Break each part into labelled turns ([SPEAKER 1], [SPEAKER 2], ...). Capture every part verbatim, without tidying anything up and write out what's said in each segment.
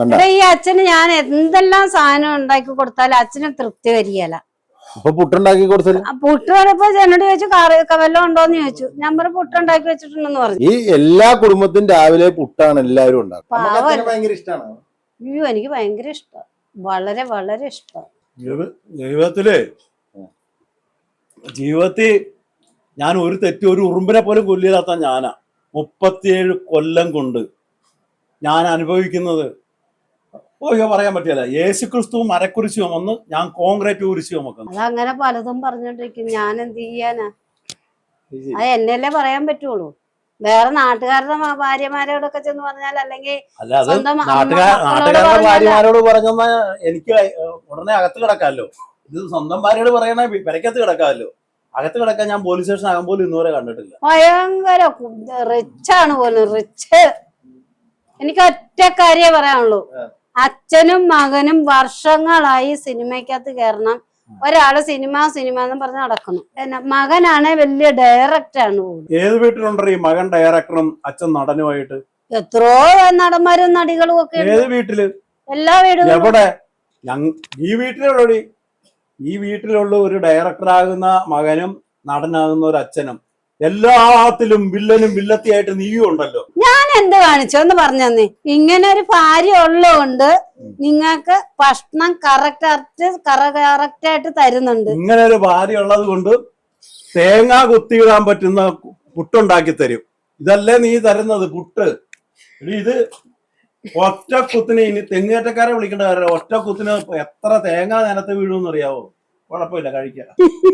[SPEAKER 1] ഈ അച്ഛന് ഞാൻ എന്തെല്ലാം സാധനം ഉണ്ടാക്കി കൊടുത്താലും അച്ഛന് തൃപ്തി വരികയല്ല.
[SPEAKER 2] അപ്പൊ പുട്ടുണ്ടാക്കി കൊടുത്തത്
[SPEAKER 1] പുട്ട് പറഞ്ഞപ്പോ എന്നോട് ചോദിച്ചു കറി വല്ലതും ഉണ്ടോന്ന് ചോദിച്ചു. ഞാൻ പറഞ്ഞു പുട്ടുണ്ടാക്കി വെച്ചിട്ടുണ്ടെന്ന് പറഞ്ഞു.
[SPEAKER 2] ഈ എല്ലാ കുടുംബത്തിനും രാവിലെ പുട്ടാണ് എല്ലാവരും ഉണ്ടാക്കുന്നത്. ഭയങ്കര ഇഷ്ടമാണ്.
[SPEAKER 1] അയ്യോ എനിക്ക് ഭയങ്കര ഇഷ്ടം, വളരെ വളരെ ഇഷ്ടം.
[SPEAKER 3] ജീവിതത്തില് ജീവിതത്തിൽ ഞാൻ ഒരു തെറ്റ് ഒരു ഉറുമ്പിനെ പോലും കൊല്ലില്ലാത്ത ഞാനാ. മുപ്പത്തിയേഴ് കൊല്ലം കൊണ്ട് ഞാൻ അനുഭവിക്കുന്നത് പറയാൻ പറ്റില്ല. യേശു ക്രിസ്തു മരക്കുരിശ് ചുമന്ന് ഞാൻ കോൺക്രീറ്റ് കുരിശ് ചുമക്കുന്നു.
[SPEAKER 1] അതങ്ങനെ പലതും പറഞ്ഞോണ്ടിരിക്കും. ഞാൻ എന്ത് ചെയ്യാനാ? അത് എന്നല്ലേ പറയാൻ പറ്റുള്ളൂ. വേറെ നാട്ടുകാരുടെ ഭാര്യമാരോടൊക്കെ ചെന്ന് പറഞ്ഞാൽ, അല്ലെങ്കിൽ
[SPEAKER 3] നാട്ടുകാരുടെ ഭാര്യമാരോട് പറഞ്ഞാ എനിക്ക് ഉടനെ അകത്ത് കിടക്കാമല്ലോ. ഇത് സ്വന്തം ഭാര്യയോട് പറയണേ പെരക്കകത്ത് കിടക്കാമല്ലോ. അകത്ത് കിടക്കാൻ ഞാൻ പോലീസ് സ്റ്റേഷൻ ആകാൻ പോലും ഇന്നുവരെ കണ്ടിട്ടില്ല.
[SPEAKER 1] ഭയങ്കര റിച്ചാണ് പോലും, റിച്ച്. എനിക്ക് ഒറ്റ കാര്യേ പറയാനുള്ളൂ. അച്ഛനും മകനും വർഷങ്ങളായി സിനിമയ്ക്കകത്ത് കയറണം. ഒരാള് സിനിമ സിനിമ എന്ന് പറഞ്ഞ് നടക്കുന്നു. മകനാണ് വലിയ ഡയറക്ടറാണ്.
[SPEAKER 3] ഏത് വീട്ടിലുണ്ടോ ഈ മകൻ ഡയറക്ടറും അച്ഛൻ നടനുമായിട്ട്?
[SPEAKER 1] എത്രയോ നടന്മാരും നടികളും ഒക്കെ.
[SPEAKER 3] ഏത് വീട്ടില്?
[SPEAKER 1] എല്ലാ വീടുകളും.
[SPEAKER 3] എവിടെ? ഈ വീട്ടിലുള്ളി ഈ വീട്ടിലുള്ള ഒരു ഡയറക്ടറാകുന്ന മകനും നടനാകുന്ന ഒരു അച്ഛനും എല്ലാത്തിലും വില്ലനും വില്ലത്തിയായിട്ട് നീയും ഉണ്ടല്ലോ.
[SPEAKER 1] ഞാൻ എന്ത് കാണിച്ചോന്ന് പറഞ്ഞേ. ഇങ്ങനെ ഒരു ഭാര്യ ഉള്ളതുകൊണ്ട് നിങ്ങൾക്ക് ഭക്ഷണം കറക്റ്റ് കറക്റ്റ് ആയിട്ട് തരുന്നുണ്ട്.
[SPEAKER 3] ഇങ്ങനെ ഒരു ഭാര്യ ഉള്ളത് കൊണ്ട് തേങ്ങ കുത്തിയിടാൻ പറ്റുന്ന പുട്ടുണ്ടാക്കി തരും. ഇതല്ലേ നീ തരുന്നത് പുട്ട്? ഇത് ഒറ്റ കുത്തിന് ഇനി തെങ്ങേറ്റക്കാരെ വിളിക്കേണ്ട കാര്യം. ഒറ്റ കുത്തിന് എത്ര തേങ്ങ നിലത്ത് വീഴുമെന്ന് അറിയാവോ? കുഴപ്പമില്ല, കഴിക്കാം.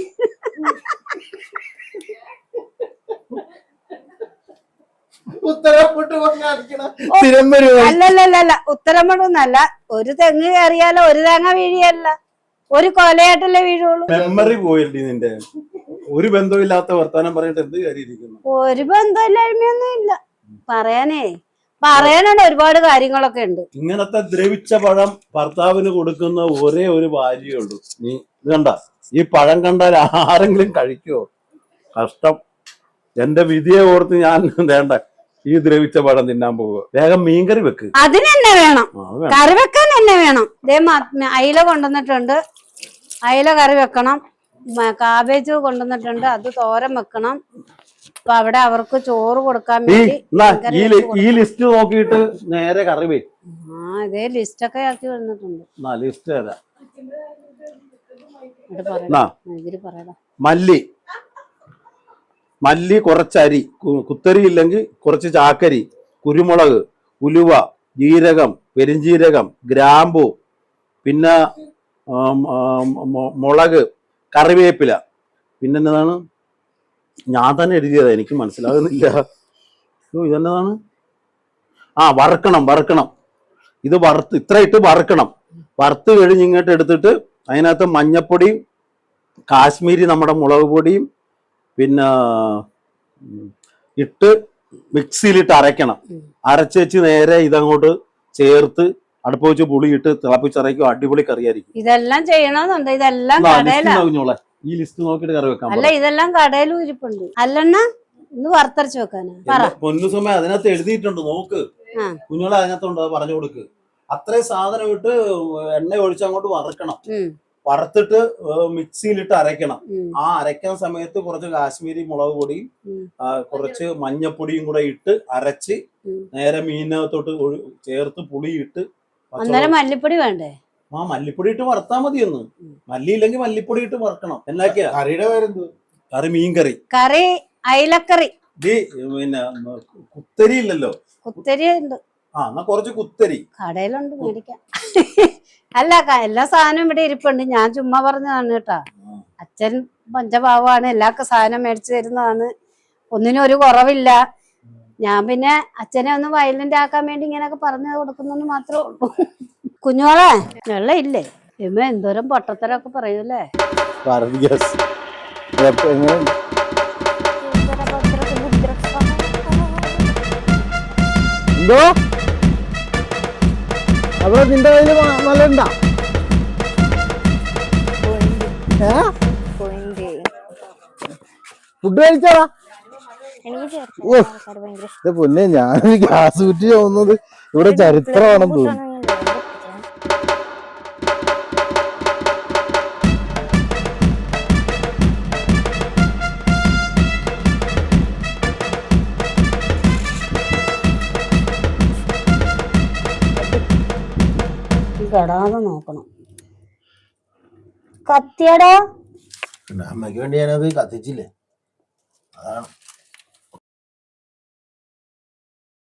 [SPEAKER 1] അല്ലല്ലല്ല, ഉത്തരമൊന്നല്ല. ഒരു തെങ്ങ് കയറിയാലോ ഒരു തേങ്ങ വീഴിയല്ല, ഒരു കൊലയായിട്ടല്ലേ വീഴുള്ളൂ.
[SPEAKER 3] മെമ്മറി പോയില്ലേ നിന്റെ? ഒരു ബന്ധമില്ലാത്ത വർത്താനം പറഞ്ഞിട്ട് എന്ത് കാര്യമിരിക്കുന്നു?
[SPEAKER 1] ഒരു ബന്ധമില്ലായ്മയൊന്നും ഇല്ല പറയാനേ. പറയാനുണ്ട് ഒരുപാട് കാര്യങ്ങളൊക്കെ ഉണ്ട്.
[SPEAKER 3] ഇങ്ങനത്തെ ദ്രവിച്ച പഴം ഭർത്താവിന് കൊടുക്കുന്ന ഒരേ ഒരു ഭാര്യയേ ഉള്ളൂ. നീ ഇത് കണ്ട ഈ പഴം കണ്ടാൽ ആരെങ്കിലും കഴിക്കുവോ? കഷ്ടം. എന്റെ വിധിയെ ഓർത്ത് ഞാൻ വേണ്ട ഈ ദ്രവിച്ച പഴം തിന്നാൻ പോവുക. വേഗം മീൻകറി വെക്ക്.
[SPEAKER 1] അതിന് തന്നെ വേണം, കറി വെക്കാൻ തന്നെ വേണം. അയില കൊണ്ടുവന്നിട്ടുണ്ട്, അയില കറി വെക്കണം. കാബേജ് കൊണ്ടുവന്നിട്ടുണ്ട്, അത് തോരൻ വെക്കണം. അപ്പൊ അവിടെ അവർക്ക് ചോറ് കൊടുക്കാൻ വേണ്ടി
[SPEAKER 3] ഈ ലിസ്റ്റ് നോക്കിയിട്ട് നേരെ കറി വേ.
[SPEAKER 1] ആ ഇതേ ലിസ്റ്റ് ഒക്കെ ആക്കി വന്നിട്ടുണ്ട്.
[SPEAKER 3] ലിസ്റ്റ് തരാം.
[SPEAKER 1] പറയടാ.
[SPEAKER 3] മല്ലി മല്ലി കുറച്ചരി, കുത്തരി ഇല്ലെങ്കിൽ കുറച്ച് ചാക്കരി, കുരുമുളക്, ഉലുവ, ജീരകം, പെരിഞ്ജീരകം, ഗ്രാമ്പു, പിന്നെ മുളക്, കറിവേപ്പില. പിന്നെന്നതാണ് ഞാൻ തന്നെ എഴുതിയതാ, എനിക്ക് മനസ്സിലാകുന്നില്ല. ഇതെന്നതാണ്? ആ വറുക്കണം വറുക്കണം ഇത് വറുത്ത് ഇത്ര ഇട്ട് വറുക്കണം. വറുത്ത് കഴിഞ്ഞ് ഇങ്ങോട്ട് എടുത്തിട്ട് അതിനകത്ത് മഞ്ഞപ്പൊടിയും കാശ്മീരി നമ്മുടെ മുളക് പൊടിയും പിന്നെ ഇട്ട് മിക്സിയിലിട്ട് അരയ്ക്കണം. അരച്ച് വെച്ച് നേരെ ഇതങ്ങോട്ട് ചേർത്ത് അടുപ്പ് വെച്ച് പുളിയിട്ട് തിളപ്പിച്ചറയ്ക്കും. അടിപൊളി കറിയായിരിക്കും.
[SPEAKER 1] ഇതെല്ലാം ചെയ്യണമെന്നുണ്ട്. ഇതെല്ലാം
[SPEAKER 3] ഈ ലിസ്റ്റ് നോക്കിയിട്ട് കറി വെക്കാം.
[SPEAKER 1] അല്ല ഇതെല്ലാം കടയിലും ഇരിപ്പുണ്ട്. അല്ലെണ്ണ ഇന്ന് വറുത്തരച്ച് വെക്കാനാ.
[SPEAKER 3] പൊന്നു സമയം അതിനകത്ത് എഴുതിയിട്ടുണ്ട്, നോക്ക് കുഞ്ഞോളെ. അതിനകത്തുണ്ട്, അത് പറഞ്ഞു കൊടുക്ക്. അത്രയും സാധനം ഇട്ട് എണ്ണ ഒഴിച്ച് അങ്ങോട്ട് വറുക്കണം. വറുത്തിട്ട് മിക്സിയിലിട്ട് അരയ്ക്കണം. ആ അരയ്ക്കുന്ന സമയത്ത് കുറച്ച് കാശ്മീരി മുളക് പൊടിയും കുറച്ച് മഞ്ഞപ്പൊടിയും കൂടെ ഇട്ട് അരച്ച് നേരെ മീനകത്തോട്ട് ചേർത്ത് പുളിയിട്ട്.
[SPEAKER 1] മല്ലിപ്പൊടി വേണ്ടേ?
[SPEAKER 3] ആ മല്ലിപ്പൊടി ഇട്ട് വറുത്താൽ മതിയൊന്ന്. മല്ലി ഇല്ലെങ്കിൽ മല്ലിപ്പൊടി ഇട്ട് വറുക്കണം. എന്നൊക്കെയാ കറിയുടെ പേരെന്ത്? കറി മീൻകറി.
[SPEAKER 1] കറി അയിലക്കറി.
[SPEAKER 3] പിന്നെ കുത്തരി ഇല്ലല്ലോ?
[SPEAKER 1] കുത്തരി ഉണ്ട്.
[SPEAKER 3] ആ എന്നാ കുറച്ച് കുത്തരി
[SPEAKER 1] കടയിലുണ്ട്, മേടിക്കാം. അല്ല എല്ലാ സാധനവും ഇവിടെ ഇരിപ്പുണ്ട്. ഞാൻ ചുമ്മാ പറഞ്ഞതാണ് കേട്ടാ. അച്ഛൻ പഞ്ചഭാവമാണ്, എല്ലാ സാധനം മേടിച്ചു തരുന്നതാണ്. ഒന്നിനും ഒരു കുറവില്ല. ഞാൻ പിന്നെ അച്ഛനെ ഒന്ന് വയലന്റ് ആക്കാൻ വേണ്ടി ഇങ്ങനെയൊക്കെ പറഞ്ഞു കൊടുക്കുന്നു മാത്രമേ ഉള്ളൂ. കുഞ്ഞോളെ വെള്ളം ഇല്ലേ? ഇമ്മ എന്തോരം പൊട്ടത്തരൊക്കെ പറയൂല്ലേ.
[SPEAKER 2] എന്തോ അവിടെ നിന്റെ കയ്യില് നല്ല ഫുഡ് കഴിച്ചാടാ? പൊന്നെ ഞാനൊരു ഗ്യാസ് കുറ്റി തോന്നുന്നത് ഇവിടെ ചരിത്രമാണെന്ന് തോന്നുന്നു.
[SPEAKER 1] കെടാതെ നോക്കണം. കത്തിയടാ
[SPEAKER 2] അമ്മയ്ക്ക് വേണ്ടി ഞാനത് കത്തിച്ചില്ലേ, അതാണ്.